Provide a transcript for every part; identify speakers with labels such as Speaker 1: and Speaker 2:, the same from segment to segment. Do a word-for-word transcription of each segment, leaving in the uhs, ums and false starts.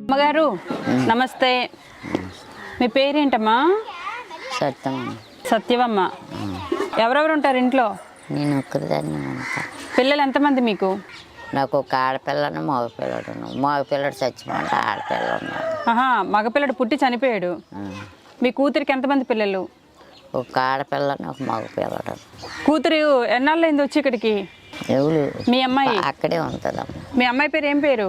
Speaker 1: అమ్మగారు నమస్తే. మీ పేరేంటమ్మా?
Speaker 2: సత్యమ్మ.
Speaker 1: సత్యవమ్మ. ఎవరెవరు ఉంటారు ఇంట్లో?
Speaker 2: నేను ఒక్కదాన్ని ఉంటా.
Speaker 1: పిల్లలు ఎంతమంది మీకు?
Speaker 2: నాకు ఒక ఆడపిల్లను మగపిల్లడు. మగపిల్లడు చచ్చిపోంట ఆడపిల్ల ఉన్నాడు.
Speaker 1: ఆహా, మగపిల్లడు పుట్టి చనిపోయాడు. మీ కూతురికి ఎంతమంది పిల్లలు?
Speaker 2: ఒక ఆడపిల్లని ఒక మగపిల్లడు.
Speaker 1: కూతురు ఎన్నాళ్ళైంది వచ్చి ఇక్కడికి?
Speaker 2: ఎవరు?
Speaker 1: మీ అమ్మాయి
Speaker 2: అక్కడే ఉంటుందమ్మ.
Speaker 1: మీ అమ్మాయి పేరు ఏం పేరు?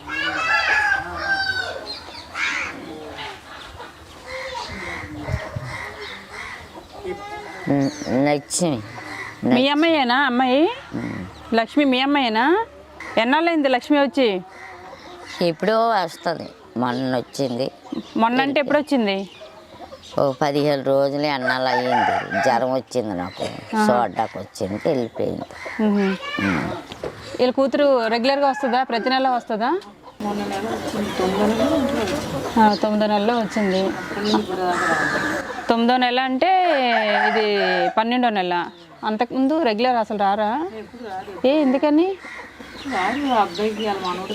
Speaker 2: లక్ష్మి.
Speaker 1: మీ అమ్మాయేనా? అమ్మాయి లక్ష్మి మీ అమ్మాయేనా? ఎన్నాళ్ళైంది లక్ష్మి వచ్చి?
Speaker 2: ఎప్పుడో వస్తుంది. మొన్న వచ్చింది.
Speaker 1: మొన్న అంటే ఎప్పుడు వచ్చింది?
Speaker 2: ఓ పదిహేను రోజులు ఎన్నాళ్ళు అయ్యింది. జ్వరం వచ్చింది నాకు. చూడ్డానికి వచ్చింది, వెళ్ళిపోయింది.
Speaker 1: వీళ్ళ కూతురు రెగ్యులర్గా వస్తుందా? ప్రతి నెల వస్తుందా? తొమ్మిదో నెలలో వచ్చింది. తొమ్మిదో నెల అంటే ఇది పన్నెండో నెల. అంతకుముందు రెగ్యులర్ అసలు రారా? ఏ ఎందుకని?
Speaker 3: అబ్బాయికి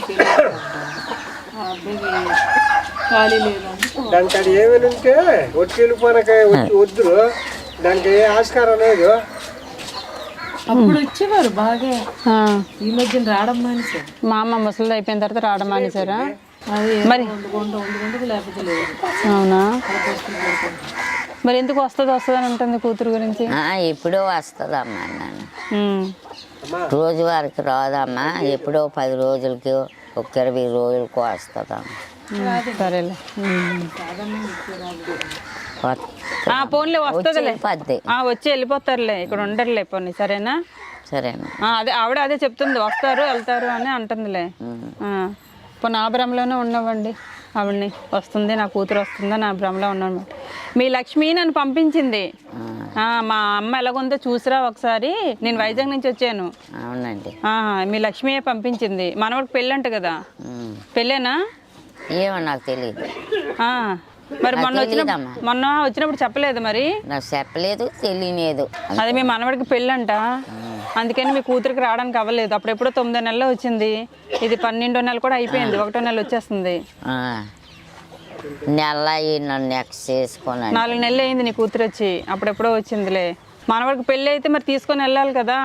Speaker 3: ఖాళీ లేదు.
Speaker 4: దానికి అది ఏమైనా ఉంటే వచ్చి వెళ్ళిపోనకాయ వచ్చి వద్దురు. దానికి ఏ ఆస్కారం లేదు.
Speaker 3: అప్పుడు వచ్చేవారు బాగా. ఈ మధ్యన రావడం మానేశారు.
Speaker 1: మా అమ్మ ముసలిది అయిపోయిన తర్వాత రావడం మానేశారా?
Speaker 3: అది
Speaker 1: మరి
Speaker 3: లేకపోతే లేదు.
Speaker 1: అవునా? మరి ఎందుకు వస్తుంది వస్తుంది అని ఉంటుంది కూతురు గురించి?
Speaker 2: ఎప్పుడో వస్తుందమ్మా. నన్ను రోజు వారికి రాదమ్మా. ఎప్పుడో పది రోజులకి ఒక ఇరవై రోజులకి వస్తుందమ్మా.
Speaker 1: సరేలే. పోన్లే వస్తుందిలే. వచ్చి వెళ్ళిపోతారులే, ఇక్కడ ఉండరులే. పోనీ సరేనా?
Speaker 2: సరేనా?
Speaker 1: అదే ఆవిడ అదే చెప్తుంది, వస్తారు వెళ్తారు అని అంటుందిలే. పోనీ ఆ భ్రమలోనే ఉండవండి. ఆవిడ్ని వస్తుంది నా కూతురు వస్తుందా నా భ్రమలో ఉన్నాను. మీ లక్ష్మి నన్ను పంపించింది. మా అమ్మ ఎలాగుందో చూసిరా ఒకసారి. నేను వైజాగ్ నుంచి వచ్చాను.
Speaker 2: అవునండి.
Speaker 1: మీ లక్ష్మియే పంపించింది. మనవాడికి పెళ్ళి అంట కదా? పెళ్ళేనా?
Speaker 2: ఏమో నాకు తెలియదు.
Speaker 1: మరి మొన్న వచ్చినప్పుడు మొన్న వచ్చినప్పుడు చెప్పలేదు? మరి
Speaker 2: నాకు చెప్పలేదు, తెలియలేదు.
Speaker 1: అదే మీ మనవాడికి పెళ్ళంట, అందుకని మీ కూతురికి రావడానికి అవ్వలేదు. అప్పుడెప్పుడో తొమ్మిదో నెలలో వచ్చింది. ఇది పన్నెండో నెల కూడా అయిపోయింది. ఒకటో నెల వచ్చేస్తుంది.
Speaker 2: నెల నన్ను నెక్స్ట్ చేసుకున్నాను.
Speaker 1: నాలుగు నెలలు అయింది నీ కూతురు వచ్చి. అప్పుడెప్పుడో వచ్చిందిలే. మనవాడికి పెళ్ళి అయితే మరి తీసుకొని వెళ్ళాలి కదా.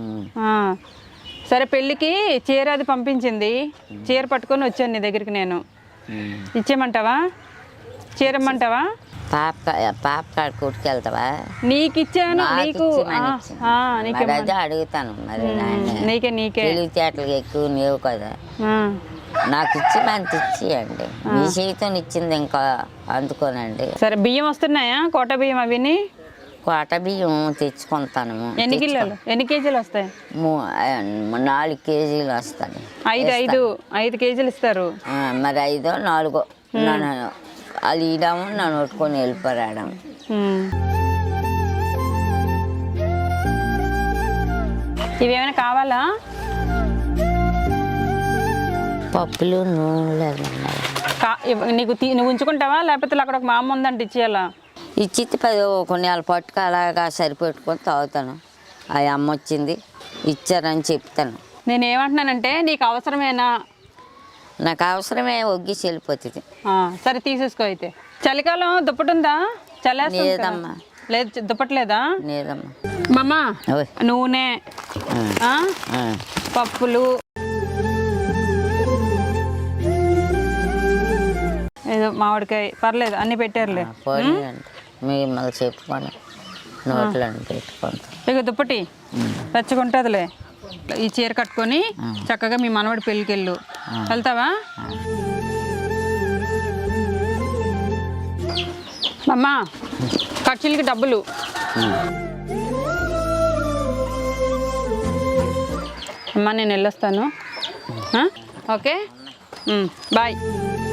Speaker 1: సరే, పెళ్ళికి చీర అది పంపించింది. చీర పట్టుకొని వచ్చాను నీ దగ్గరికి నేను. ఇచ్చేయమంటావా? చీరమ్మంటావా?
Speaker 2: పాప పాప కాడ కొట్టుకెళ్తావా?
Speaker 1: నీకు ఇచ్చాను. నీకు
Speaker 2: అదే అడుగుతాను. మరి
Speaker 1: నీకే నీకే
Speaker 2: తెలివితేటలు ఎక్కువ లేవు కదా. నాకు ఇచ్చి మంచి ఇచ్చేయండి. మీ చేతితో ఇచ్చింది ఇంకా అందుకోనండి.
Speaker 1: సరే, బియ్యం వస్తున్నాయా? కోట బియ్యం అవిని
Speaker 2: కోట బియ్యం తెచ్చుకుంటాను.
Speaker 1: ఎన్ని కిలోలు ఎన్ని కేజీలు వస్తాయి?
Speaker 2: నాలుగు కేజీలు వస్తాయి.
Speaker 1: ఐదు ఐదు ఐదు కేజీలు ఇస్తారు.
Speaker 2: మరి ఐదో నాలుగో నన్ను వాళ్ళు ఇడాము నన్ను కొట్టుకొని వెళ్ళిపోరాడం.
Speaker 1: ఇవేమైనా కావాలా?
Speaker 2: పప్పులు నూనె
Speaker 1: నీకు నువ్వు ఉంచుకుంటావా లేకపోతే అక్కడ ఒక మా అమ్మ ఉందంటే ఇచ్చేయాలా?
Speaker 2: ఇచ్చి పది కొన్ని వాళ్ళ పట్టుకు అలాగా సరిపెట్టుకొని తాగుతాను. ఆ అమ్మ వచ్చింది ఇచ్చారని చెప్తాను.
Speaker 1: నేను ఏమంటున్నానంటే నీకు అవసరమేనా?
Speaker 2: నాకు అవసరమే, ఒగ్గిసి వెళ్ళిపోతుంది.
Speaker 1: సరే, తీసేసుకో. అయితే చలికాలం దుప్పటి ఉందా?
Speaker 2: లేదమ్మా.
Speaker 1: లేదు, దుప్పట్లేదా?
Speaker 2: లేదమ్మా.
Speaker 1: మమ్మా, నూనె, పప్పులు, ఏదో మామిడికాయ పర్లేదు అన్ని పెట్టారులే.
Speaker 2: మిమ్మల్ని చెప్పుకొని నోట్లో పెట్టుకుంటా.
Speaker 1: ఇక దుప్పటి తెచ్చుకుంటుందిలే. ఈ చీర కట్టుకొని చక్కగా మీ మనవడి పెళ్ళికి వెళ్ళు. వెళ్తావా? అమ్మా, ఖర్చులకి డబ్బులు. అమ్మా, నేను వెళ్ళొస్తాను. Okay, bye.